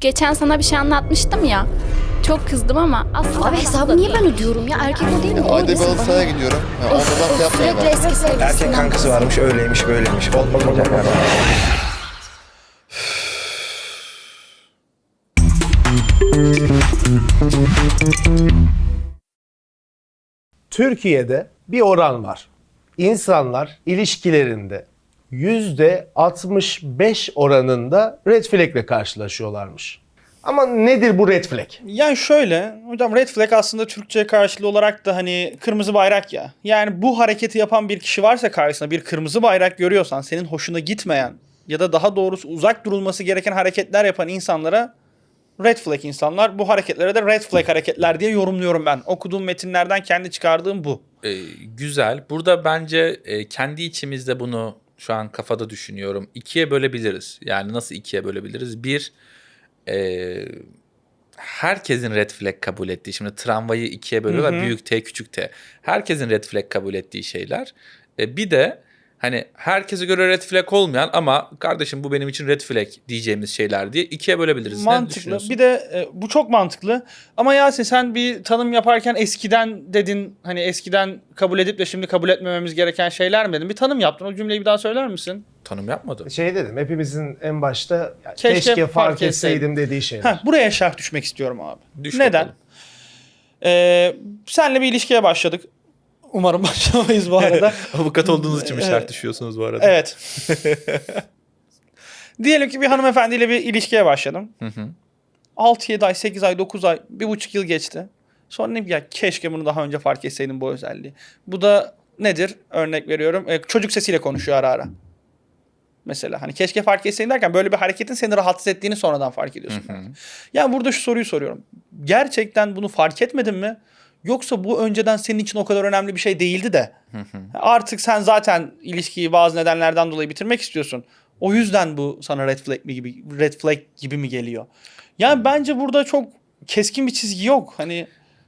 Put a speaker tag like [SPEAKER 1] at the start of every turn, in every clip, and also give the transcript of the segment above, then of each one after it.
[SPEAKER 1] geçen sana bir şey anlatmıştım ya. Çok kızdım ama aslında...
[SPEAKER 2] Abi hesabı niye ben ödüyorum ya? Erkek o değil mi?
[SPEAKER 3] Ayda bir halı sahaya gidiyorum. Ondan şey yapmaya
[SPEAKER 2] Sürekli
[SPEAKER 3] ben.
[SPEAKER 2] eski sevgilisinden.
[SPEAKER 4] Erkek kankası varmış, öyleymiş, böyleymiş. Olmayacak yani.
[SPEAKER 5] Türkiye'de bir oran var. İnsanlar ilişkilerinde %65 oranında red flag'le karşılaşıyorlarmış. Ama nedir bu red flag?
[SPEAKER 6] Yani şöyle hocam, red flag aslında Türkçe karşılığı olarak da hani kırmızı bayrak ya. Yani bu hareketi yapan bir kişi varsa karşısında, bir kırmızı bayrak görüyorsan, senin hoşuna gitmeyen ya da daha doğrusu uzak durulması gereken hareketler yapan insanlara red flag insanlar. Bu hareketlere de red flag hareketler diye yorumluyorum ben. Okuduğum metinlerden kendi çıkardığım bu.
[SPEAKER 7] Güzel. Burada bence kendi içimizde bunu şu an kafada düşünüyorum. İkiye bölebiliriz. Yani nasıl ikiye bölebiliriz? Bir, herkesin red flag kabul ettiği, şimdi tramvayı ikiye bölüyorlar, büyük T küçük T. Herkesin red flag kabul ettiği şeyler. Bir de hani herkese göre red flag olmayan ama kardeşim bu benim için red flag diyeceğimiz şeyler diye ikiye bölebiliriz. Ne
[SPEAKER 6] Mantıklı.
[SPEAKER 7] düşünüyorsun?
[SPEAKER 6] Bir de bu çok mantıklı. Ama Yasin, sen bir tanım yaparken eskiden dedin, hani eskiden kabul edip de şimdi kabul etmememiz gereken şeyler mi dedin? Bir tanım yaptın. O cümleyi bir daha söyler misin?
[SPEAKER 7] Tanım yapmadı.
[SPEAKER 5] Şey dedim, hepimizin en başta ya,
[SPEAKER 6] Keşke
[SPEAKER 5] keşke
[SPEAKER 6] fark
[SPEAKER 5] fark etseydim dediği şeyler.
[SPEAKER 6] Buraya şerh düşmek istiyorum abi.
[SPEAKER 7] Düş
[SPEAKER 6] Neden?
[SPEAKER 7] bakalım.
[SPEAKER 6] Senle bir ilişkiye başladık. Umarım başlamayız bu arada.
[SPEAKER 7] Avukat olduğunuz için mi şart düşüyorsunuz bu arada?
[SPEAKER 6] Evet. Diyelim ki bir hanımefendiyle bir ilişkiye başladım. 6-7 ay, 8 ay, 9 ay, 1,5 yıl geçti. Sonra ne ya, keşke bunu daha önce fark etseydim bu özelliği. Bu da nedir? Örnek veriyorum. Çocuk sesiyle konuşuyor ara ara. Mesela hani keşke fark etseydin derken böyle bir hareketin seni rahatsız ettiğini sonradan fark ediyorsun. Yani burada şu soruyu soruyorum. Gerçekten bunu fark etmedin mi? Yoksa bu önceden senin için o kadar önemli bir şey değildi de artık sen zaten ilişkiyi bazı nedenlerden dolayı bitirmek istiyorsun. O yüzden bu sana red flag gibi mi geliyor? Yani bence burada çok keskin bir çizgi yok. Hani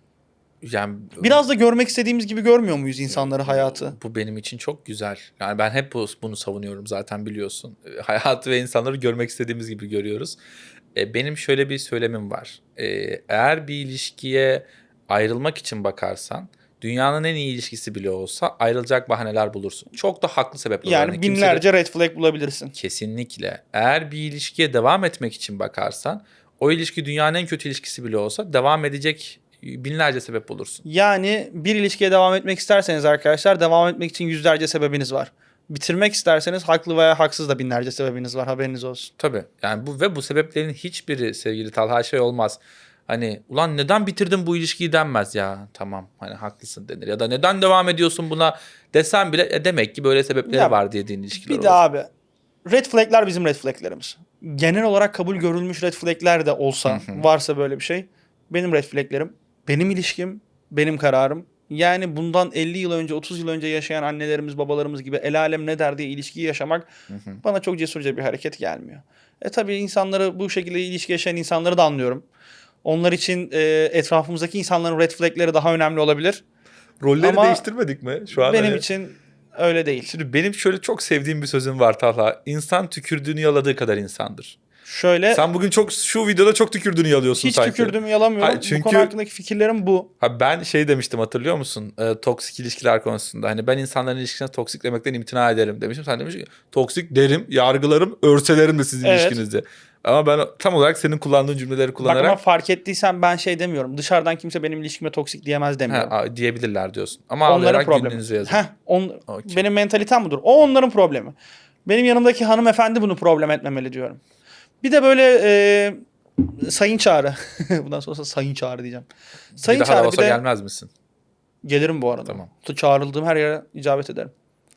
[SPEAKER 7] Yani
[SPEAKER 6] biraz da görmek istediğimiz gibi görmüyor muyuz insanları, hayatı?
[SPEAKER 7] bu benim için çok güzel. Yani ben hep bunu savunuyorum zaten, biliyorsun. Hayatı ve insanları görmek istediğimiz gibi görüyoruz. Benim şöyle bir söylemim var. Eğer bir ilişkiye ayrılmak için bakarsan, dünyanın en iyi ilişkisi bile olsa ayrılacak bahaneler bulursun. Çok da haklı sebepler.
[SPEAKER 6] Yani binlerce red flag bulabilirsin.
[SPEAKER 7] Kesinlikle. Eğer bir ilişkiye devam etmek için bakarsan, o ilişki dünyanın en kötü ilişkisi bile olsa devam edecek binlerce sebep bulursun.
[SPEAKER 6] Yani bir ilişkiye devam etmek isterseniz arkadaşlar, devam etmek için yüzlerce sebebiniz var. Bitirmek isterseniz haklı veya haksız da binlerce sebebiniz var, haberiniz olsun.
[SPEAKER 7] Tabii. Yani bu sebeplerin hiçbiri sevgili Talha şey olmaz. Hani ulan neden bitirdin bu ilişkiyi denmez ya. Tamam hani haklısın denir. Ya da neden devam ediyorsun buna desen bile demek ki böyle sebepleri
[SPEAKER 6] Ya,
[SPEAKER 7] var dediğin ilişkiler
[SPEAKER 6] Bir
[SPEAKER 7] olur.
[SPEAKER 6] de abi, red flag'ler bizim red flag'lerimiz. Genel olarak kabul görülmüş red flag'ler de olsa, varsa böyle bir şey, benim red flag'lerim, benim ilişkim, benim kararım. Yani bundan 50 yıl önce, 30 yıl önce yaşayan annelerimiz, babalarımız gibi el alem ne der diye ilişkiyi yaşamak bana çok cesurca bir hareket gelmiyor. Tabii insanları, bu şekilde ilişki yaşayan insanları da anlıyorum. Onlar için etrafımızdaki insanların red flag'leri daha önemli olabilir.
[SPEAKER 7] Rolleri
[SPEAKER 6] Ama
[SPEAKER 7] değiştirmedik mi şu an?
[SPEAKER 6] Benim
[SPEAKER 7] hani?
[SPEAKER 6] için öyle değil.
[SPEAKER 7] Şimdi benim şöyle çok sevdiğim bir sözüm var Talha. İnsan tükürdüğünü yaladığı kadar insandır.
[SPEAKER 6] Şöyle,
[SPEAKER 7] Sen bugün şu videoda çok tükürdüğünü yalıyorsun
[SPEAKER 6] hiç
[SPEAKER 7] sanki.
[SPEAKER 6] tükürdüğümü yalamıyorum.
[SPEAKER 7] Hayır, çünkü-
[SPEAKER 6] Bu konu hakkındaki fikirlerim bu.
[SPEAKER 7] Ha, ben şey demiştim, hatırlıyor musun? Toksik ilişkiler konusunda. Hani ben insanların ilişkisine toksik demekten imtina ederim demiştim. Sen demiş ki toksik derim, yargılarım, örselerim de sizin
[SPEAKER 6] Evet.
[SPEAKER 7] ilişkinizde. Ama ben tam olarak senin kullandığın cümleleri
[SPEAKER 6] Bak
[SPEAKER 7] kullanarak
[SPEAKER 6] ama fark ettiysen ben şey demiyorum. Dışarıdan kimse benim ilişkime toksik diyemez demiyorum.
[SPEAKER 7] diyebilirler diyorsun. Ama
[SPEAKER 6] Onların
[SPEAKER 7] ağlayarak
[SPEAKER 6] problemi.
[SPEAKER 7] gününüzü yazın. Okey.
[SPEAKER 6] Benim mentalitem budur. O onların problemi. Benim yanımdaki hanımefendi bunu problem etmemeli diyorum. Bir de böyle sayın Çağrı. Bundan sonra sayın Çağrı diyeceğim. Sayın
[SPEAKER 7] bir daha da
[SPEAKER 6] Çağrı
[SPEAKER 7] olsa
[SPEAKER 6] bir de
[SPEAKER 7] gelmez misin?
[SPEAKER 6] gelirim bu arada.
[SPEAKER 7] Tamam.
[SPEAKER 6] Çağrıldığım her yere icabet ederim.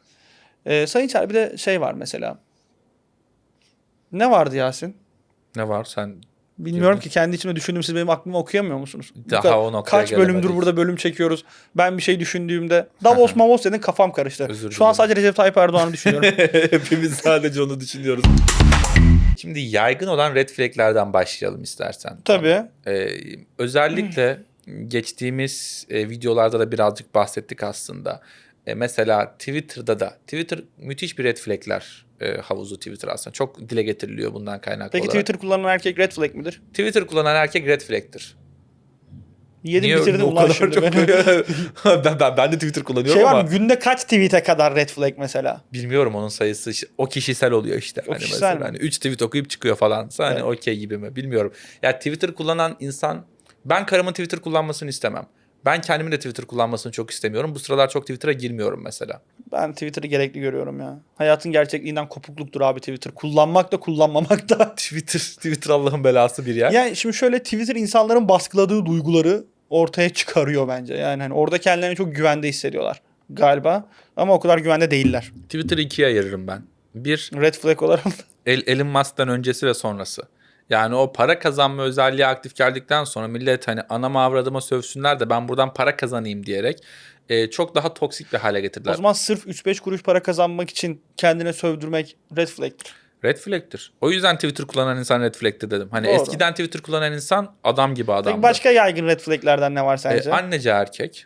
[SPEAKER 6] Sayın Çağrı bir de şey var mesela. Ne vardı Yasin?
[SPEAKER 7] Ne var sen?
[SPEAKER 6] Bilmiyorum ki, kendi içimde düşündüğüm, siz benim aklımı okuyamıyor musunuz?
[SPEAKER 7] Daha
[SPEAKER 6] Bu kadar-
[SPEAKER 7] o noktaya
[SPEAKER 6] Kaç bölümdür
[SPEAKER 7] gelemedik.
[SPEAKER 6] burada bölüm çekiyoruz. Ben bir şey düşündüğümde Davos Mavos dedin, kafam karıştı.
[SPEAKER 7] Özür
[SPEAKER 6] Şu an
[SPEAKER 7] dilerim.
[SPEAKER 6] sadece Recep Tayyip Erdoğan'ı düşünüyorum.
[SPEAKER 7] Hepimiz sadece onu düşünüyoruz. Şimdi yaygın olan red flag'lerden başlayalım istersen.
[SPEAKER 6] Tabii.
[SPEAKER 7] Özellikle geçtiğimiz videolarda da birazcık bahsettik aslında. Mesela Twitter'da da. Twitter müthiş bir red flag'ler havuzu Twitter aslında. Çok dile getiriliyor bundan kaynaklı
[SPEAKER 6] Peki
[SPEAKER 7] olarak.
[SPEAKER 6] Twitter kullanan erkek red flag midir?
[SPEAKER 7] Twitter kullanan erkek red flag'tir.
[SPEAKER 6] Yedim
[SPEAKER 7] Niye
[SPEAKER 6] bitirdim
[SPEAKER 7] o
[SPEAKER 6] ulan
[SPEAKER 7] kadar
[SPEAKER 6] şimdi
[SPEAKER 7] çok...
[SPEAKER 6] beni.
[SPEAKER 7] ben de Twitter kullanıyorum
[SPEAKER 6] Şey var
[SPEAKER 7] ama
[SPEAKER 6] mı? Günde kaç tweet'e kadar red flag mesela?
[SPEAKER 7] bilmiyorum onun sayısı. O kişisel oluyor işte.
[SPEAKER 6] O
[SPEAKER 7] Hani
[SPEAKER 6] kişisel
[SPEAKER 7] mesela
[SPEAKER 6] mi?
[SPEAKER 7] hani 3 tweet okuyup çıkıyor falan. Hani
[SPEAKER 6] Evet.
[SPEAKER 7] okey gibi mi? Bilmiyorum. Ya Twitter kullanan insan, ben karımın Twitter kullanmasını istemem. Ben kendimin de Twitter kullanmasını çok istemiyorum. Bu sıralar çok Twitter'a girmiyorum mesela.
[SPEAKER 6] Ben Twitter'ı gerekli görüyorum ya. Hayatın gerçekliğinden kopukluktur abi Twitter. Kullanmak da kullanmamak da.
[SPEAKER 7] Twitter Allah'ın belası bir yer.
[SPEAKER 6] Yani şimdi şöyle Twitter insanların baskıladığı duyguları ortaya çıkarıyor bence. Yani hani orada kendilerini çok güvende hissediyorlar galiba. Ama o kadar güvende değiller.
[SPEAKER 7] Twitter'ı ikiye ayırırım ben. Bir,
[SPEAKER 6] Red flag olarak.
[SPEAKER 7] Elon Musk'tan öncesi ve sonrası. Yani o para kazanma özelliği aktif geldikten sonra millet hani anama avradıma sövsünler de ben buradan para kazanayım diyerek çok daha toksik bir hale getirdiler.
[SPEAKER 6] O zaman sırf 3-5 kuruş para kazanmak için kendine sövdürmek red flag'tir.
[SPEAKER 7] Red flag'tir. O yüzden Twitter kullanan insan red flag'tir dedim. Hani
[SPEAKER 6] Doğru.
[SPEAKER 7] eskiden Twitter kullanan insan adam gibi adamdı.
[SPEAKER 6] Peki başka yaygın red flag'lerden ne var sence?
[SPEAKER 7] Anneci erkek.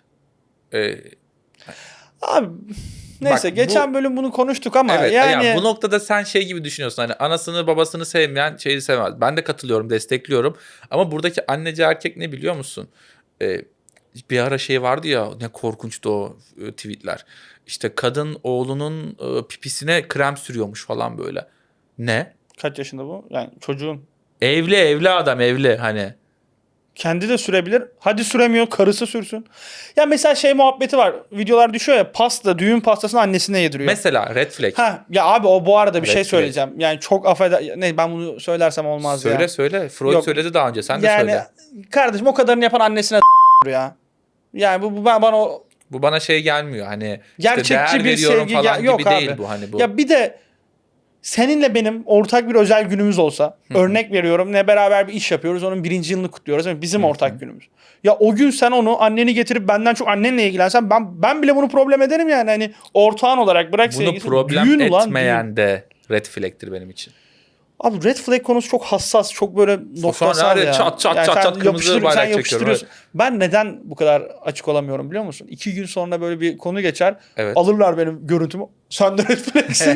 [SPEAKER 6] Abi neyse
[SPEAKER 7] Bak,
[SPEAKER 6] geçen bölüm bunu konuştuk ama
[SPEAKER 7] Evet,
[SPEAKER 6] yani
[SPEAKER 7] ya bu noktada sen şey gibi düşünüyorsun, hani anasını babasını sevmeyen şeyi sevmez. Ben de katılıyorum, destekliyorum. Ama buradaki anneci erkek ne biliyor musun? Bir ara şey vardı ya, ne korkunçtu o tweetler. İşte kadın oğlunun pipisine krem sürüyormuş falan böyle. Ne?
[SPEAKER 6] kaç yaşında bu? Yani çocuğun
[SPEAKER 7] Evli adam, evli hani.
[SPEAKER 6] kendi de sürebilir. Hadi süremiyor, karısı sürsün. Ya mesela şey muhabbeti var. Videolar düşüyor ya, pasta, düğün pastasını annesine yediriyor.
[SPEAKER 7] Mesela red flag.
[SPEAKER 6] Ha ya abi, o bu arada bir
[SPEAKER 7] Red
[SPEAKER 6] şey
[SPEAKER 7] flag.
[SPEAKER 6] söyleyeceğim. Yani çok ne, ben bunu söylersem olmaz
[SPEAKER 7] Söyle
[SPEAKER 6] ya.
[SPEAKER 7] söyle. Freud
[SPEAKER 6] Yok.
[SPEAKER 7] söyledi daha önce. Sen de
[SPEAKER 6] Yani
[SPEAKER 7] söyle.
[SPEAKER 6] kardeşim, o kadarını yapan annesine ya. Yani bu bana o
[SPEAKER 7] Bu bana şey gelmiyor. Hani
[SPEAKER 6] gerçekçi
[SPEAKER 7] işte değer
[SPEAKER 6] bir
[SPEAKER 7] veriyorum
[SPEAKER 6] sevgi
[SPEAKER 7] falan gibi
[SPEAKER 6] yok
[SPEAKER 7] değil
[SPEAKER 6] abi.
[SPEAKER 7] bu, hani bu.
[SPEAKER 6] Ya bir de seninle benim ortak bir özel günümüz olsa, örnek veriyorum, ne beraber bir iş yapıyoruz, onun 1. yılını kutluyoruz. Yani bizim ortak günümüz. Ya o gün sen onu, anneni getirip benden çok annenle ilgilensen, ben bile bunu problem ederim yani. Hani ortağın olarak bırak
[SPEAKER 7] Bunu
[SPEAKER 6] sevgilisi.
[SPEAKER 7] problem
[SPEAKER 6] Düğün ulan,
[SPEAKER 7] etmeyen
[SPEAKER 6] düğün.
[SPEAKER 7] de red flag'tir benim için.
[SPEAKER 6] Abi red flag konusu çok hassas, çok böyle noktasal
[SPEAKER 7] her
[SPEAKER 6] ya.
[SPEAKER 7] çat çat
[SPEAKER 6] Yani
[SPEAKER 7] çat
[SPEAKER 6] sen
[SPEAKER 7] çat kırmızı
[SPEAKER 6] yapıştır-
[SPEAKER 7] bayrak
[SPEAKER 6] sen
[SPEAKER 7] çekiyorum,
[SPEAKER 6] yapıştırıyorsun. Ben neden bu kadar açık olamıyorum biliyor musun? 2 gün sonra böyle bir konu geçer.
[SPEAKER 7] Evet.
[SPEAKER 6] Alırlar benim görüntümü. Sen de red flag'sin.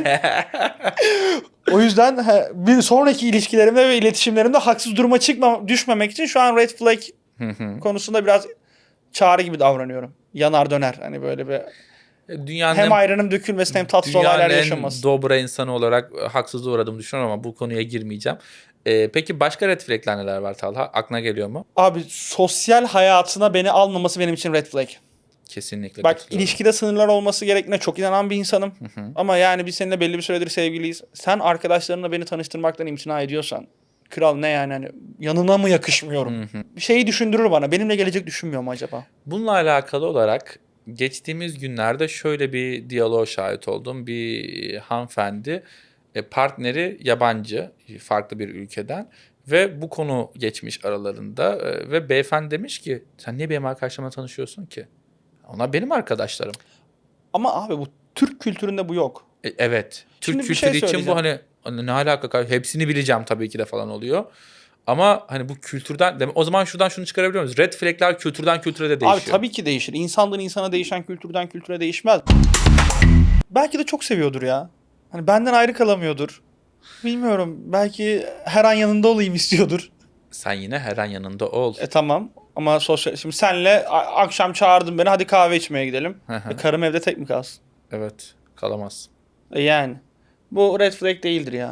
[SPEAKER 6] O yüzden bir sonraki ilişkilerimde ve iletişimlerimde haksız duruma düşmemek için şu an red flag konusunda biraz çağrı gibi davranıyorum. Yanar döner. Hani böyle bir
[SPEAKER 7] Dünyanın
[SPEAKER 6] hem ayranım dökülmesin hem tatsız olaylar
[SPEAKER 7] en
[SPEAKER 6] yaşamasın.
[SPEAKER 7] dobra insanı olarak haksızlığa uğradığımı düşünüyorum ama bu konuya girmeyeceğim. Peki başka red flag'ler neler var Talha? Aklına geliyor mu?
[SPEAKER 6] Abi sosyal hayatına beni almaması benim için red flag.
[SPEAKER 7] Kesinlikle
[SPEAKER 6] Bak,
[SPEAKER 7] katılıyorum.
[SPEAKER 6] ilişkide sınırlar olması gerektiğine çok inanan bir insanım. Ama yani biz seninle belli bir süredir sevgiliyiz. Sen arkadaşlarınla beni tanıştırmaktan imtina ediyorsan, kral ne yani, hani yanına mı yakışmıyorum? Şeyi düşündürür bana. Benimle gelecek düşünmüyor mu acaba?
[SPEAKER 7] Bununla alakalı olarak geçtiğimiz günlerde şöyle bir diyaloğa şahit oldum. Bir hanımefendi, partneri yabancı, farklı bir ülkeden ve bu konu geçmiş aralarında ve beyefendi demiş ki sen niye benim arkadaşlarımla tanışıyorsun ki? Onlar benim arkadaşlarım.
[SPEAKER 6] Ama abi bu Türk kültüründe bu yok.
[SPEAKER 7] Evet. Türk
[SPEAKER 6] Şimdi bir
[SPEAKER 7] kültürü
[SPEAKER 6] şey
[SPEAKER 7] için bu hani ne alaka? Hepsini bileceğim tabii ki de falan oluyor. Ama hani bu kültürden, o zaman şuradan şunu çıkarabiliyor muyuz? Red flag'ler kültürden kültüre de değişiyor.
[SPEAKER 6] Abi tabii ki değişir. İnsandan insana değişen, kültürden kültüre değişmez. Belki de çok seviyordur ya. Hani benden ayrı kalamıyordur. Bilmiyorum. Belki her an yanında olayım istiyordur.
[SPEAKER 7] Sen yine her an yanında ol.
[SPEAKER 6] Tamam. Ama şimdi senle akşam çağırdın beni, hadi kahve içmeye gidelim.
[SPEAKER 7] Hı hı.
[SPEAKER 6] Karım evde tek mi kalsın?
[SPEAKER 7] Evet. Kalamaz.
[SPEAKER 6] Yani. Bu red flag değildir ya.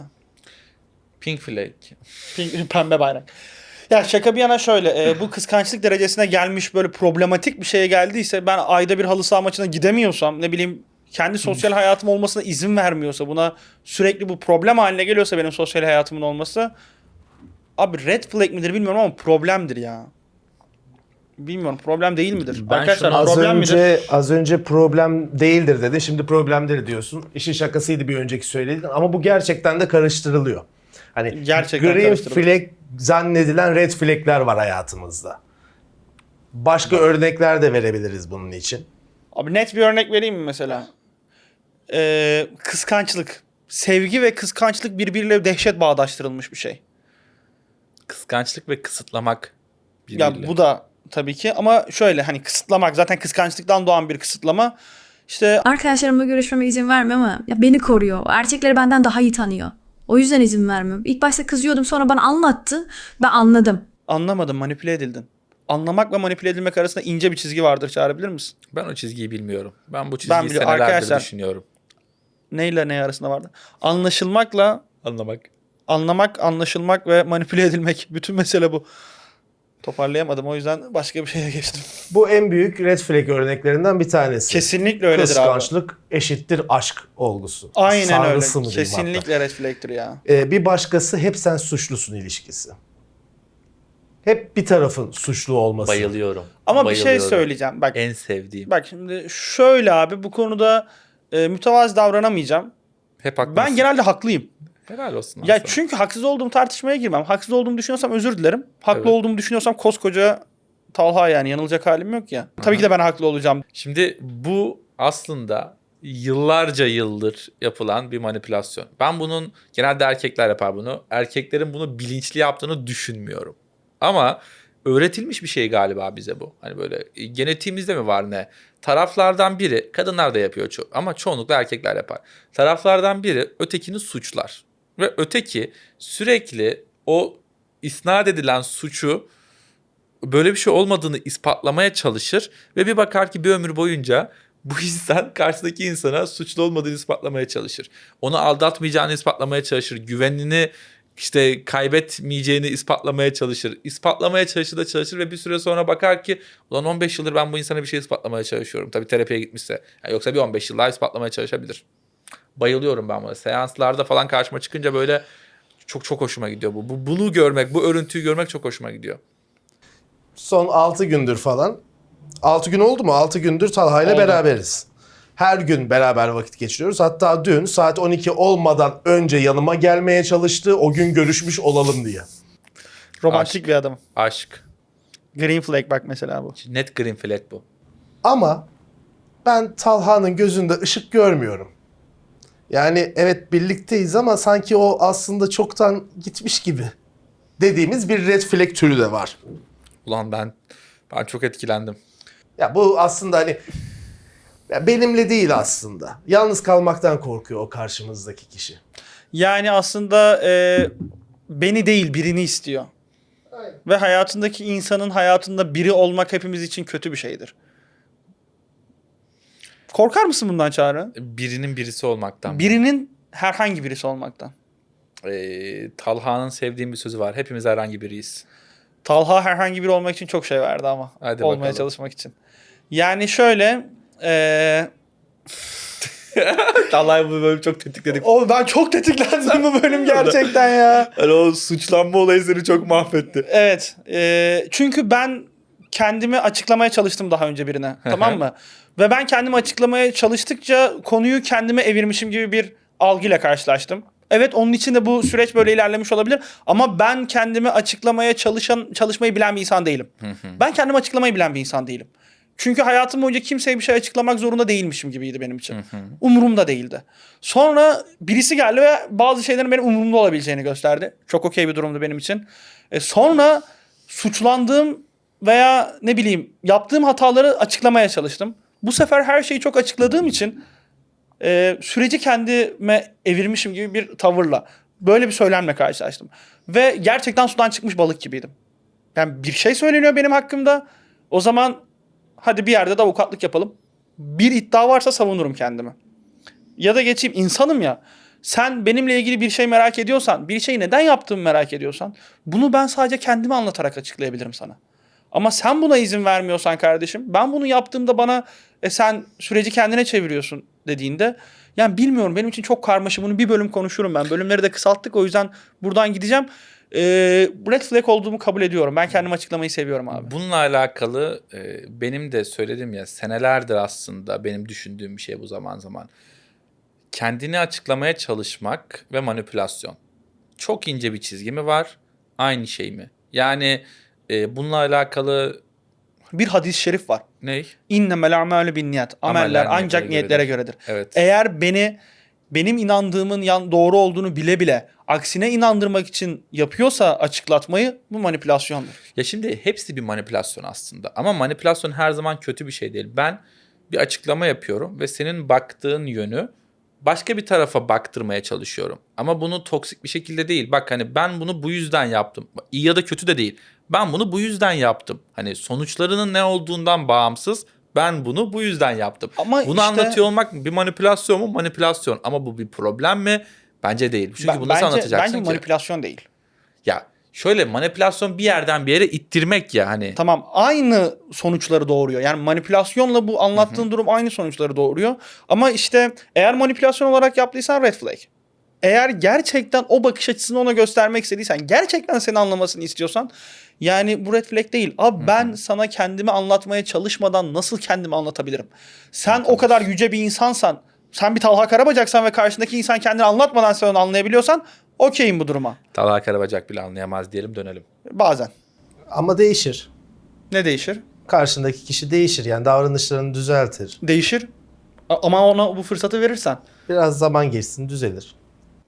[SPEAKER 7] Pink flag.
[SPEAKER 6] Pembe bayrak. Ya şaka bir yana şöyle. Bu kıskançlık derecesine gelmiş, böyle problematik bir şeye geldiyse, ben ayda bir halı saha maçına gidemiyorsam, ne bileyim, kendi sosyal hayatım olmasına izin vermiyorsa, buna sürekli bu problem haline geliyorsa benim sosyal hayatımın olması, abi red flag midir bilmiyorum ama problemdir ya. Bilmiyorum, problem değil midir?
[SPEAKER 7] Ben
[SPEAKER 6] Arkadaşlar
[SPEAKER 7] şunu
[SPEAKER 6] problem midir?
[SPEAKER 5] Az önce problem değildir dedin. Şimdi problemdir diyorsun. İşin şakasıydı bir önceki söylediğin ama bu gerçekten de karıştırılıyor. Hani
[SPEAKER 6] Gerçekten
[SPEAKER 5] green
[SPEAKER 6] karıştırılıyor.
[SPEAKER 5] flag zannedilen red flag'ler var hayatımızda. Başka örnekler de verebiliriz bunun için.
[SPEAKER 6] Abi net bir örnek vereyim mi mesela? Kıskançlık. Sevgi ve kıskançlık birbiriyle dehşet bağdaştırılmış bir şey.
[SPEAKER 7] Kıskançlık ve kısıtlamak birbiriyle.
[SPEAKER 6] Ya bu da tabii ki, ama şöyle, hani kısıtlamak zaten kıskançlıktan doğan bir kısıtlama. İşte
[SPEAKER 8] Arkadaşlarımla görüşmeme izin vermiyor ama ya beni koruyor. Erkekleri benden daha iyi tanıyor. O yüzden izin vermiyorum. İlk başta kızıyordum, sonra bana anlattı. Ben anladım.
[SPEAKER 6] anlamadım, manipüle edildin. Anlamak ve manipüle edilmek arasında ince bir çizgi vardır, çağırabilir misin?
[SPEAKER 7] Ben o çizgiyi bilmiyorum. Ben bu çizgiyi
[SPEAKER 6] biliyorum.
[SPEAKER 7] senelerdir
[SPEAKER 6] Arkadaşlar-
[SPEAKER 7] düşünüyorum.
[SPEAKER 6] Neyle ne arasında vardı? Anlaşılmakla
[SPEAKER 7] Anlamak.
[SPEAKER 6] anlamak, anlaşılmak ve manipüle edilmek. Bütün mesele bu. Toparlayamadım, o yüzden başka bir şeye geçtim.
[SPEAKER 5] Bu en büyük red flag örneklerinden bir tanesi.
[SPEAKER 6] Kesinlikle öyledir abi.
[SPEAKER 5] Kıskançlık eşittir aşk olgusu.
[SPEAKER 6] Aynen
[SPEAKER 5] Sarısı
[SPEAKER 6] öyle.
[SPEAKER 5] mı diyeyim hatta.
[SPEAKER 6] Kesinlikle red flag'tir ya.
[SPEAKER 5] Bir başkası hep sen suçlusun ilişkisi. Hep bir tarafın suçlu olması.
[SPEAKER 7] Bayılıyorum.
[SPEAKER 6] Ama bir şey
[SPEAKER 7] Bayılıyorum.
[SPEAKER 6] söyleyeceğim. Bak,
[SPEAKER 7] En sevdiğim.
[SPEAKER 6] bak şimdi şöyle abi, bu konuda mütevazi davranamayacağım.
[SPEAKER 7] Hep haklısın.
[SPEAKER 6] Ben genelde haklıyım.
[SPEAKER 7] Helal olsun.
[SPEAKER 6] Ya
[SPEAKER 7] sana.
[SPEAKER 6] çünkü haksız olduğum tartışmaya girmem. Haksız olduğumu düşünüyorsam özür dilerim. Haklı
[SPEAKER 7] Evet.
[SPEAKER 6] olduğumu düşünüyorsam koskoca Talha, yani yanılacak halim yok ya. Tabii ki de ben haklı olacağım.
[SPEAKER 7] Şimdi bu aslında yıllarca yıldır yapılan bir manipülasyon. Ben bunun, genelde erkekler yapar bunu. Erkeklerin bunu bilinçli yaptığını düşünmüyorum. Ama öğretilmiş bir şey galiba bize bu. Hani böyle genetiğimizde mi var ne? Taraflardan biri, kadınlar da yapıyor ama çoğunlukla erkekler yapar. Taraflardan biri ötekini suçlar. Ve öteki sürekli o isnat edilen suçu, böyle bir şey olmadığını ispatlamaya çalışır ve bir bakar ki bir ömür boyunca bu insan karşıdaki insana suçlu olmadığını ispatlamaya çalışır. Onu aldatmayacağını ispatlamaya çalışır. Güvenini işte kaybetmeyeceğini ispatlamaya çalışır. İspatlamaya çalışır ve bir süre sonra bakar ki ulan 15 yıldır ben bu insana bir şey ispatlamaya çalışıyorum. Tabii terapiye gitmişse. Yani yoksa bir 15 yıl daha ispatlamaya çalışabilir. Bayılıyorum ben buna. Seanslarda falan karşıma çıkınca böyle çok hoşuma gidiyor bu. Bunu görmek, bu örüntüyü görmek çok hoşuma gidiyor.
[SPEAKER 5] Son 6 gündür falan. 6 gün oldu mu? 6 gündür Talha ile
[SPEAKER 6] Oldu.
[SPEAKER 5] beraberiz. Her gün beraber vakit geçiriyoruz. Hatta dün saat 12 olmadan önce yanıma gelmeye çalıştı. O gün görüşmüş olalım diye.
[SPEAKER 6] Romantik bir adam.
[SPEAKER 7] Aşk.
[SPEAKER 6] Green flag bak mesela bu.
[SPEAKER 7] Net green flag bu.
[SPEAKER 5] Ama ben Talha'nın gözünde ışık görmüyorum. Yani evet birlikteyiz ama sanki o aslında çoktan gitmiş gibi dediğimiz bir red flag türü de var.
[SPEAKER 7] Ulan ben çok etkilendim.
[SPEAKER 5] Ya bu aslında hani ya benimle değil aslında. Yalnız kalmaktan korkuyor o karşımızdaki kişi.
[SPEAKER 6] Yani aslında beni değil, birini istiyor. Ve hayatındaki insanın hayatında biri olmak hepimiz için kötü bir şeydir. Korkar mısın bundan Çağrı?
[SPEAKER 7] Birinin birisi olmaktan.
[SPEAKER 6] Birinin herhangi birisi olmaktan.
[SPEAKER 7] Talha'nın sevdiğim bir sözü var. Hepimiz herhangi biriyiz.
[SPEAKER 6] Talha herhangi biri olmak için çok şey verdi ama.
[SPEAKER 7] Hadi
[SPEAKER 6] olmaya
[SPEAKER 7] bakalım.
[SPEAKER 6] çalışmak için. Yani şöyle...
[SPEAKER 7] Talha'yı bu bölüm çok tetikledik.
[SPEAKER 6] ben çok tetiklendim bu bölüm gerçekten ya.
[SPEAKER 7] Hani o suçlanma olayı seni çok mahvetti.
[SPEAKER 6] Evet. Çünkü ben kendimi açıklamaya çalıştım daha önce birine. Tamam mı? Ve ben kendimi açıklamaya çalıştıkça konuyu kendime evirmişim gibi bir algıyla karşılaştım. Evet, onun için de bu süreç böyle ilerlemiş olabilir. Ama ben kendimi açıklamaya çalışmayı bilen bir insan değilim. Ben kendimi açıklamayı bilen bir insan değilim. Çünkü hayatım boyunca kimseye bir şey açıklamak zorunda değilmişim gibiydi benim için. Umurumda değildi. Sonra birisi geldi ve bazı şeylerin benim umurumda olabileceğini gösterdi. Çok okey bir durumdu benim için. Sonra suçlandığım veya ne bileyim yaptığım hataları açıklamaya çalıştım. Bu sefer her şeyi çok açıkladığım için süreci kendime evirmişim gibi bir tavırla, böyle bir söylemle karşılaştım. Ve gerçekten sudan çıkmış balık gibiydim. Yani bir şey söyleniyor benim hakkımda. O zaman hadi bir yerde de avukatlık yapalım. Bir iddia varsa savunurum kendimi. Ya da geçeyim, insanım ya. Sen benimle ilgili bir şey merak ediyorsan, bir şeyi neden yaptığımı merak ediyorsan, bunu ben sadece kendimi anlatarak açıklayabilirim sana. Ama sen buna izin vermiyorsan kardeşim, ben bunu yaptığımda bana sen süreci kendine çeviriyorsun dediğinde, yani bilmiyorum, benim için çok karmaşık. Bunu bir bölüm konuşurum ben. Bölümleri de kısalttık, o yüzden buradan gideceğim. Red flag olduğumu kabul ediyorum. Ben kendimi açıklamayı seviyorum abi.
[SPEAKER 7] Bununla alakalı benim de söyledim ya, senelerdir aslında benim düşündüğüm bir şey bu zaman zaman. Kendini açıklamaya çalışmak ve manipülasyon. Çok ince bir çizgi mi var? Aynı şey mi? Yani bununla alakalı
[SPEAKER 6] Bir hadis-i şerif var.
[SPEAKER 7] ne?
[SPEAKER 6] İnnemel a'malu binniyat. Ameller ancak niyetlere göredir.
[SPEAKER 7] Evet.
[SPEAKER 6] Eğer benim inandığımın doğru olduğunu bile bile aksine inandırmak için yapıyorsa açıklatmayı, bu manipülasyondur.
[SPEAKER 7] Ya şimdi hepsi bir manipülasyon aslında. Ama manipülasyon her zaman kötü bir şey değil. Ben bir açıklama yapıyorum ve senin baktığın yönü başka bir tarafa baktırmaya çalışıyorum. Ama bunu toksik bir şekilde değil. Bak hani ben bunu bu yüzden yaptım. İyi ya da kötü de değil. Ben bunu bu yüzden yaptım. Hani sonuçlarının ne olduğundan bağımsız ben bunu bu yüzden yaptım.
[SPEAKER 6] Ama
[SPEAKER 7] bunu
[SPEAKER 6] işte-
[SPEAKER 7] anlatıyor olmak bir manipülasyon mu? Manipülasyon. Ama bu bir problem mi? Bence değil. Çünkü bunu nasıl anlatacaksın
[SPEAKER 6] bence
[SPEAKER 7] ki?
[SPEAKER 6] manipülasyon değil.
[SPEAKER 7] Ya şöyle manipülasyon bir yerden bir yere ittirmek ya hani.
[SPEAKER 6] Tamam, aynı sonuçları doğuruyor. Yani manipülasyonla bu anlattığın durum aynı sonuçları doğuruyor. Ama işte eğer manipülasyon olarak yaptıysan red flag. Eğer gerçekten o bakış açısını ona göstermek istediysen, gerçekten seni anlamasını istiyorsan, yani bu red flag değil. Abi ben sana kendimi anlatmaya çalışmadan nasıl kendimi anlatabilirim? Sen o kadar yüce bir insansan, sen bir Talha Karabacaksan ve karşındaki insan kendini anlatmadan sen onu anlayabiliyorsan okeyim bu duruma.
[SPEAKER 7] Talha Karabacak bile anlayamaz diyelim, dönelim.
[SPEAKER 6] Bazen.
[SPEAKER 5] Ama değişir.
[SPEAKER 6] Ne değişir?
[SPEAKER 5] Karşındaki kişi değişir. Yani davranışlarını düzeltir.
[SPEAKER 6] Değişir. Ama ona bu fırsatı verirsen.
[SPEAKER 5] Biraz zaman geçsin düzelir.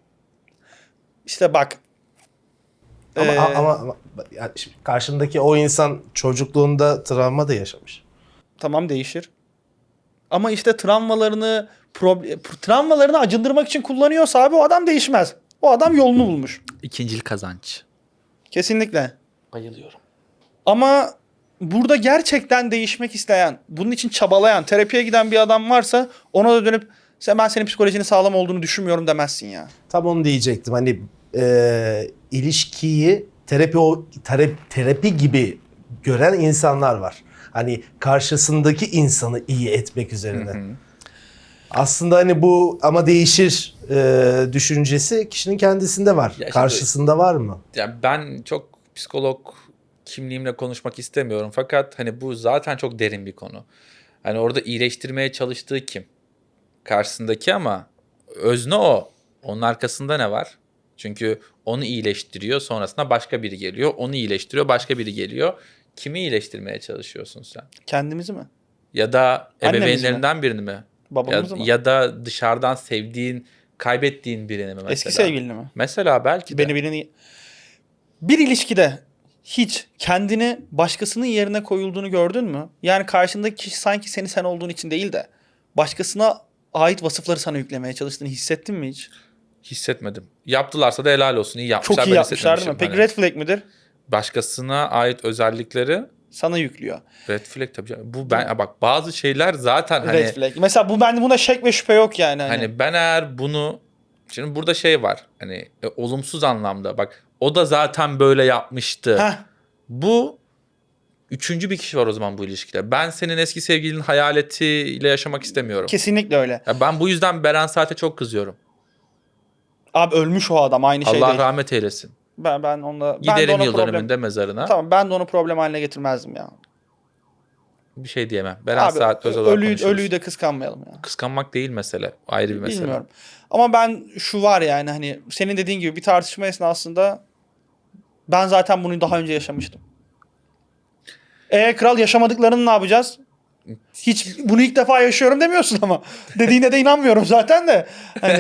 [SPEAKER 6] İşte bak.
[SPEAKER 5] Ama,
[SPEAKER 6] Ee,
[SPEAKER 5] ama yani şimdi karşımdaki o insan çocukluğunda travma da yaşamış.
[SPEAKER 6] Tamam, değişir. Ama işte travmalarını acındırmak için kullanıyorsa abi o adam değişmez. O adam yolunu bulmuş.
[SPEAKER 7] İkincil kazanç.
[SPEAKER 6] Kesinlikle.
[SPEAKER 7] Bayılıyorum.
[SPEAKER 6] Ama burada gerçekten değişmek isteyen, bunun için çabalayan, terapiye giden bir adam varsa ona da dönüp ben senin psikolojinin sağlam olduğunu düşünmüyorum demezsin ya.
[SPEAKER 5] Tam onu diyecektim. Hani ilişkiyi terapi gibi gören insanlar var. Hani karşısındaki insanı iyi etmek üzerine. Aslında hani bu ama değişir düşüncesi kişinin kendisinde var.
[SPEAKER 7] şimdi-
[SPEAKER 5] Karşısında var mı?
[SPEAKER 7] Ya ben çok psikolog kimliğimle konuşmak istemiyorum. Fakat hani bu zaten çok derin bir konu. Hani orada iyileştirmeye çalıştığı kim? Karşısındaki ama özne o. Onun arkasında ne var? Çünkü onu iyileştiriyor, sonrasında başka biri geliyor. Onu iyileştiriyor, başka biri geliyor. Kimi iyileştirmeye çalışıyorsun sen?
[SPEAKER 6] Kendimizi mi?
[SPEAKER 7] Ya da
[SPEAKER 6] Annemizi
[SPEAKER 7] ebeveynlerinden birini mi?
[SPEAKER 6] Babamızı mı?
[SPEAKER 7] Ya da dışarıdan sevdiğin, kaybettiğin birini mi mesela?
[SPEAKER 6] Eski sevgilini mi?
[SPEAKER 7] Mesela belki de.
[SPEAKER 6] Bir ilişkide hiç kendini başkasının yerine koyulduğunu gördün mü? Yani karşındaki kişi sanki sen olduğun için değil de başkasına ait vasıfları sana yüklemeye çalıştığını hissettin mi hiç?
[SPEAKER 7] Hissetmedim. Yaptılarsa da helal olsun. İyi yapmışlar.
[SPEAKER 6] Çok iyi
[SPEAKER 7] ben
[SPEAKER 6] yapmışlar değil mi?
[SPEAKER 7] hissetmemişim.
[SPEAKER 6] Peki red flag midir?
[SPEAKER 7] Başkasına ait özellikleri
[SPEAKER 6] Sana yüklüyor.
[SPEAKER 7] red flag tabii canım. Bu ben bak bazı şeyler zaten hani
[SPEAKER 6] Red flag. Mesela bunda şek ve şüphe yok yani.
[SPEAKER 7] hani ben eğer bunu şimdi burada şey var. Hani olumsuz anlamda bak o da zaten böyle yapmıştı.
[SPEAKER 6] Heh.
[SPEAKER 7] Bu üçüncü bir kişi var o zaman bu ilişkide. Ben senin eski sevgilinin hayaletiyle yaşamak istemiyorum.
[SPEAKER 6] Kesinlikle öyle.
[SPEAKER 7] Ya ben bu yüzden Beren Saat'e çok kızıyorum.
[SPEAKER 6] Abi ölmüş o adam, aynı şey
[SPEAKER 7] Allah
[SPEAKER 6] değil.
[SPEAKER 7] rahmet eylesin.
[SPEAKER 6] Ben onunla
[SPEAKER 7] Giderim
[SPEAKER 6] ona
[SPEAKER 7] yıl
[SPEAKER 6] problem.
[SPEAKER 7] dönümünde mezarına.
[SPEAKER 6] Tamam, ben de onu problem haline getirmezdim ya.
[SPEAKER 7] Bir şey diyemem. Beren
[SPEAKER 6] Abi
[SPEAKER 7] Saat özel olarak konuşuruz.
[SPEAKER 6] ölüyü de kıskanmayalım ya.
[SPEAKER 7] Kıskanmak değil mesele. Ayrı bir mesele.
[SPEAKER 6] Bilmiyorum. Ama ben şu var yani hani senin dediğin gibi bir tartışma esnasında ben zaten bunu daha önce yaşamıştım. Kral yaşamadıklarını ne yapacağız? Hiç bunu ilk defa yaşıyorum demiyorsun ama. Dediğine de inanmıyorum zaten de. Hani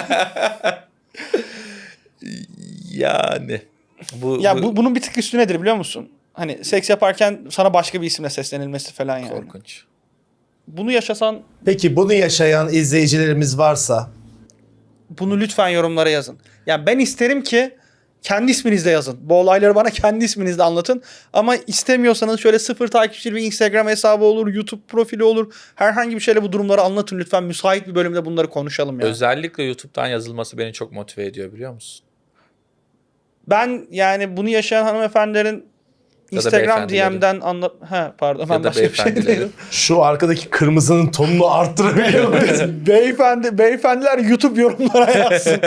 [SPEAKER 7] Yani.
[SPEAKER 6] bunun bir tık üstü nedir biliyor musun? Hani seks yaparken sana başka bir isimle seslenilmesi falan yani.
[SPEAKER 7] korkunç.
[SPEAKER 6] Bunu yaşasan
[SPEAKER 5] Peki bunu yaşayan izleyicilerimiz varsa
[SPEAKER 6] bunu lütfen yorumlara yazın. Yani ben isterim ki kendi isminizle yazın. Bu olayları bana kendi isminizle anlatın. Ama istemiyorsanız şöyle 0 takipçili bir Instagram hesabı olur, YouTube profili olur. Herhangi bir şeyle bu durumları anlatın lütfen. Müsait bir bölümde bunları konuşalım ya.
[SPEAKER 7] Özellikle YouTube'dan yazılması beni çok motive ediyor biliyor musun?
[SPEAKER 6] Ben yani bunu yaşayan hanımefendilerin
[SPEAKER 7] Ya da
[SPEAKER 6] Instagram
[SPEAKER 7] beyefendilerin.
[SPEAKER 6] DM'den pardon
[SPEAKER 7] Ya
[SPEAKER 6] ben
[SPEAKER 7] da
[SPEAKER 6] başka bir şey
[SPEAKER 7] beyefendilerin.
[SPEAKER 6] dedim.
[SPEAKER 5] şu arkadaki kırmızının tonunu arttırabiliyor muyuz?
[SPEAKER 6] Beyefendiler YouTube yorumlara yazsın.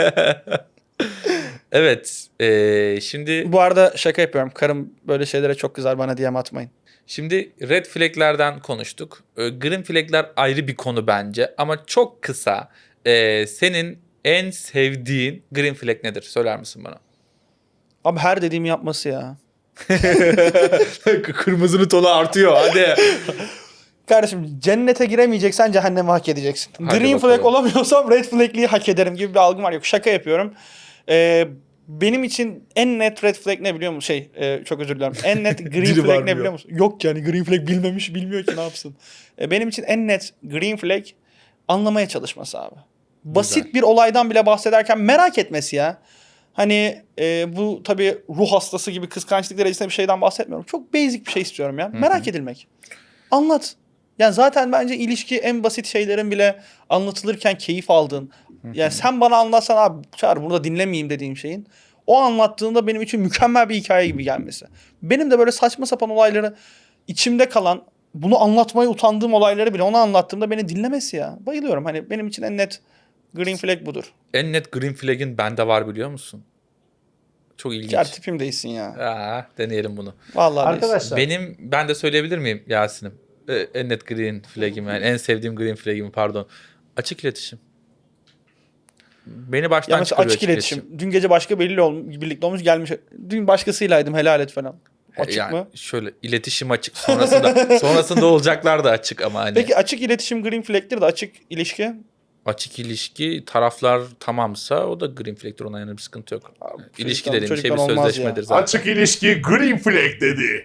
[SPEAKER 7] Evet. Şimdi
[SPEAKER 6] Bu arada şaka yapıyorum. Karım böyle şeylere çok kızar, bana DM atmayın.
[SPEAKER 7] Şimdi red flag'lerden konuştuk. Green flag'ler ayrı bir konu bence. Ama çok kısa. Senin en sevdiğin green flag nedir? Söyler misin bana?
[SPEAKER 6] Abi her dediğimi yapması ya.
[SPEAKER 7] Kırmızının tonu artıyor. Hadi.
[SPEAKER 6] Kardeşim cennete giremeyeceksen cehenneme hak edeceksin.
[SPEAKER 7] Hadi
[SPEAKER 6] Green
[SPEAKER 7] bakalım.
[SPEAKER 6] flag olamıyorsam red flag'liği hak ederim gibi bir algım var. Yok, şaka yapıyorum. Benim için en net red flag ne biliyor musun? Çok özür dilerim. En net green
[SPEAKER 5] Dili
[SPEAKER 6] flag ne
[SPEAKER 5] varmıyor.
[SPEAKER 6] biliyor musun? Yok yani green flag bilmiyor ki ne yapsın. Benim için en net green flag anlamaya çalışması abi. Basit bir olaydan bile bahsederken merak etmesi ya. Hani bu tabii ruh hastası gibi kıskançlık derecesinde bir şeyden bahsetmiyorum. Çok basic bir şey istiyorum ya. Merak edilmek. Anlat. Yani zaten bence ilişki en basit şeylerin bile anlatılırken keyif aldığın. Yani sen bana anlatsan abi Çağrı burada dinlemeyeyim dediğim şeyin. O anlattığında benim için mükemmel bir hikaye gibi gelmesi. Benim de böyle saçma sapan olayları içimde kalan, bunu anlatmaya utandığım olayları bile ona anlattığımda beni dinlemesi ya. Bayılıyorum. Hani benim için en net green flag budur.
[SPEAKER 7] En net green flag'in bende var biliyor musun? Çok ilginç.
[SPEAKER 6] Ger tipim değilsin ya.
[SPEAKER 7] Deneyelim bunu.
[SPEAKER 6] Vallahi değilsin.
[SPEAKER 5] Arkadaşlar
[SPEAKER 7] Ben de söyleyebilir miyim Yasin'im? En net green flag'im yani en sevdiğim green flag'im pardon. Açık iletişim. Beni baştan
[SPEAKER 6] Ya mesela
[SPEAKER 7] çıkarıyor
[SPEAKER 6] açık iletişim. Dün gece başka birlikte olmuş gelmiş. Dün başkasıylaydım helal et falan. Açık
[SPEAKER 7] yani
[SPEAKER 6] mı?
[SPEAKER 7] Şöyle iletişim açık. Sonrasında olacaklar da açık ama hani.
[SPEAKER 6] Peki açık iletişim green flag'tir de açık ilişki?
[SPEAKER 7] Açık ilişki taraflar tamamsa o da green flag'tir, ona yani bir sıkıntı yok. İlişki dediğim şey bir
[SPEAKER 6] çocuktan olmaz
[SPEAKER 7] sözleşmedir
[SPEAKER 6] ya.
[SPEAKER 7] zaten.
[SPEAKER 5] açık ilişki green flag dedi.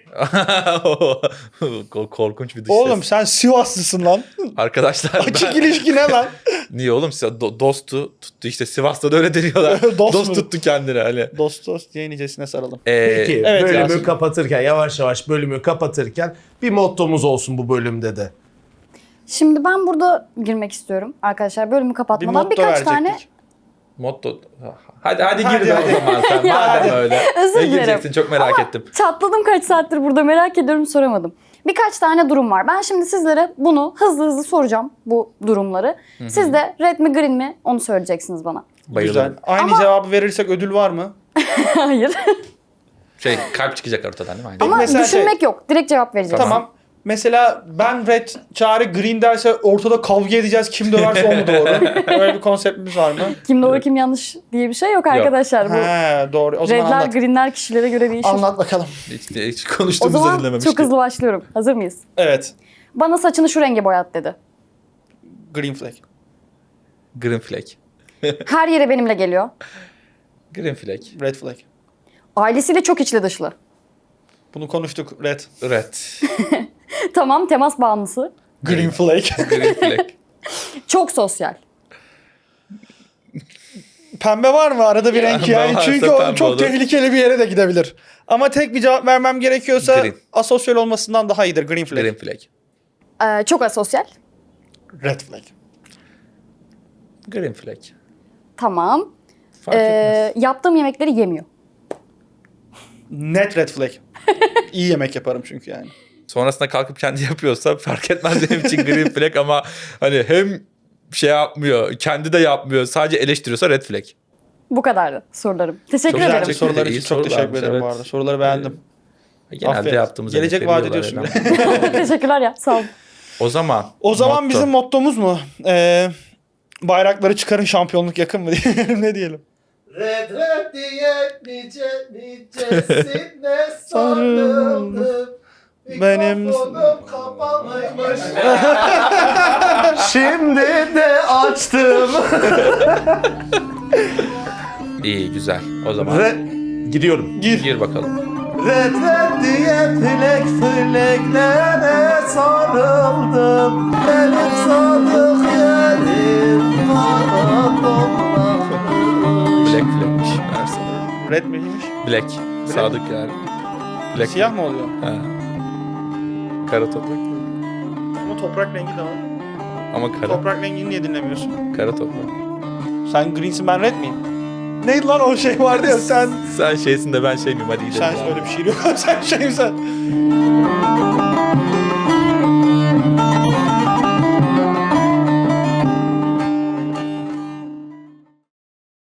[SPEAKER 7] Korkunç bir dış
[SPEAKER 6] Oğlum
[SPEAKER 7] ses.
[SPEAKER 6] sen Sivaslısın lan.
[SPEAKER 7] Arkadaşlar
[SPEAKER 6] Açık ilişki ne lan?
[SPEAKER 7] niye oğlum dostu tuttu işte Sivas'ta da öyle deniyorlar.
[SPEAKER 6] Dost
[SPEAKER 7] Dost
[SPEAKER 6] mu?
[SPEAKER 7] tuttu kendini hani.
[SPEAKER 6] Dost diye nicesine saralım.
[SPEAKER 5] Peki
[SPEAKER 6] evet
[SPEAKER 5] bölümü
[SPEAKER 6] Yasin.
[SPEAKER 5] kapatırken yavaş yavaş bölümü kapatırken bir mottomuz olsun bu bölümde de.
[SPEAKER 2] Şimdi ben burada girmek istiyorum arkadaşlar bölümü
[SPEAKER 6] Bir
[SPEAKER 2] kapatmadan
[SPEAKER 6] motto
[SPEAKER 2] birkaç
[SPEAKER 6] verecektik.
[SPEAKER 2] tane
[SPEAKER 7] Motto. Hadi gir be o zaman sen. Madem öyle.
[SPEAKER 2] Özür
[SPEAKER 7] Ne
[SPEAKER 2] dilerim.
[SPEAKER 7] gireceksin çok merak ettim.
[SPEAKER 2] çatladım kaç saattir burada merak ediyorum soramadım. Birkaç tane durum var. Ben şimdi sizlere bunu hızlı soracağım bu durumları. Siz de red mi green mi onu söyleyeceksiniz bana.
[SPEAKER 7] Bayılırım.
[SPEAKER 6] Güzel. Aynı cevabı verirsek ödül var mı?
[SPEAKER 2] Hayır.
[SPEAKER 7] Kalp çıkacak ortadan değil mi?
[SPEAKER 2] Ama
[SPEAKER 6] mesela
[SPEAKER 2] düşünmek yok. Direkt cevap vereceğiz.
[SPEAKER 6] Tamam. Mesela ben red, Çağrı green derse ortada kavga edeceğiz. Kim döverse o mu doğru? Öyle bir konseptimiz var mı?
[SPEAKER 2] Kim doğru kim yanlış diye bir şey yok arkadaşlar. Bu
[SPEAKER 6] He doğru. O zaman
[SPEAKER 2] redler
[SPEAKER 6] anlat.
[SPEAKER 2] greenler kişilere göre değişir.
[SPEAKER 6] Anlat bakalım.
[SPEAKER 7] Hiç
[SPEAKER 2] O
[SPEAKER 7] konuştuğumuzu
[SPEAKER 2] zaman
[SPEAKER 7] dinlememiştik.
[SPEAKER 2] çok hızlı başlıyorum. Hazır mıyız?
[SPEAKER 6] Evet.
[SPEAKER 2] Bana saçını şu renge boyat dedi.
[SPEAKER 6] Green flag.
[SPEAKER 7] Green flag.
[SPEAKER 2] Her yere benimle geliyor.
[SPEAKER 7] Green flag.
[SPEAKER 6] Red flag.
[SPEAKER 2] Ailesiyle çok içli dışlı.
[SPEAKER 6] Bunu konuştuk. Red.
[SPEAKER 7] Red.
[SPEAKER 2] Tamam, temas bağımlısı.
[SPEAKER 6] Green flag.
[SPEAKER 7] Green flag.
[SPEAKER 2] Çok sosyal.
[SPEAKER 6] Pembe var mı arada bir renk
[SPEAKER 7] Pembe
[SPEAKER 6] yani?
[SPEAKER 7] varsa
[SPEAKER 6] Çünkü o
[SPEAKER 7] pembe
[SPEAKER 6] çok
[SPEAKER 7] olur.
[SPEAKER 6] tehlikeli bir yere de gidebilir. Ama tek bir cevap vermem gerekiyorsa
[SPEAKER 7] Green.
[SPEAKER 6] asosyal olmasından daha iyidir. Green flag.
[SPEAKER 7] Green flag.
[SPEAKER 2] Çok asosyal.
[SPEAKER 6] Red flag.
[SPEAKER 7] Green flag.
[SPEAKER 2] Tamam.
[SPEAKER 7] Fark etmez.
[SPEAKER 2] Yaptığım yemekleri yemiyor.
[SPEAKER 6] Net red flag. İyi yemek yaparım çünkü yani.
[SPEAKER 7] Sonrasında kalkıp kendi yapıyorsa fark etmez benim için green flag ama hani hem şey yapmıyor, kendi de yapmıyor, sadece eleştiriyorsa red flag.
[SPEAKER 2] Bu kadardı sorularım. Teşekkür
[SPEAKER 7] Çok
[SPEAKER 2] ederim.
[SPEAKER 6] Güzel
[SPEAKER 7] Teşekkür
[SPEAKER 6] sorular
[SPEAKER 7] ederim.
[SPEAKER 6] için
[SPEAKER 7] İyi
[SPEAKER 6] çok teşekkür
[SPEAKER 7] sorularmış,
[SPEAKER 6] ederim bu
[SPEAKER 7] evet.
[SPEAKER 6] arada. Soruları beğendim.
[SPEAKER 7] Genelde
[SPEAKER 6] Aferin.
[SPEAKER 7] yaptığımız
[SPEAKER 6] Gelecek
[SPEAKER 7] yemekleri
[SPEAKER 6] vaat ediyorsun.
[SPEAKER 7] biliyorlar
[SPEAKER 2] Teşekkürler ya. Sağ olun.
[SPEAKER 7] O zaman motto.
[SPEAKER 6] Bizim mottomuz mu? Bayrakları çıkarın, şampiyonluk yakın mı diyelim? Ne diyelim?
[SPEAKER 5] Red diye nicesine sarıldım.
[SPEAKER 6] Benim-
[SPEAKER 5] Mikrofonum kapalıymış. Şimdi de açtım.
[SPEAKER 7] İyi, güzel. O zaman
[SPEAKER 5] Gidiyorum.
[SPEAKER 7] gir bakalım.
[SPEAKER 5] Red diye fileklere sarıldım. Benim sadık yerim kara toprağım.
[SPEAKER 7] Black flagmiş. Meğerse.
[SPEAKER 6] Red miymiş?
[SPEAKER 7] Black. Sadık yani. Black.
[SPEAKER 6] Siyah mı oluyor?
[SPEAKER 7] Ha. Kara toprak.
[SPEAKER 6] Ama toprak rengi de var.
[SPEAKER 7] Ama kara.
[SPEAKER 6] Toprak rengini niye dinlemiyorsun?
[SPEAKER 7] Kara toprak.
[SPEAKER 6] Sen greensin, ben red miyim? Neydi lan o şey vardı ya sen...
[SPEAKER 7] Sen şeysin de ben şey miyim, hadi gidelim.
[SPEAKER 6] Sen
[SPEAKER 7] ya.
[SPEAKER 6] öyle bir şey yok. Sen şeyim sen.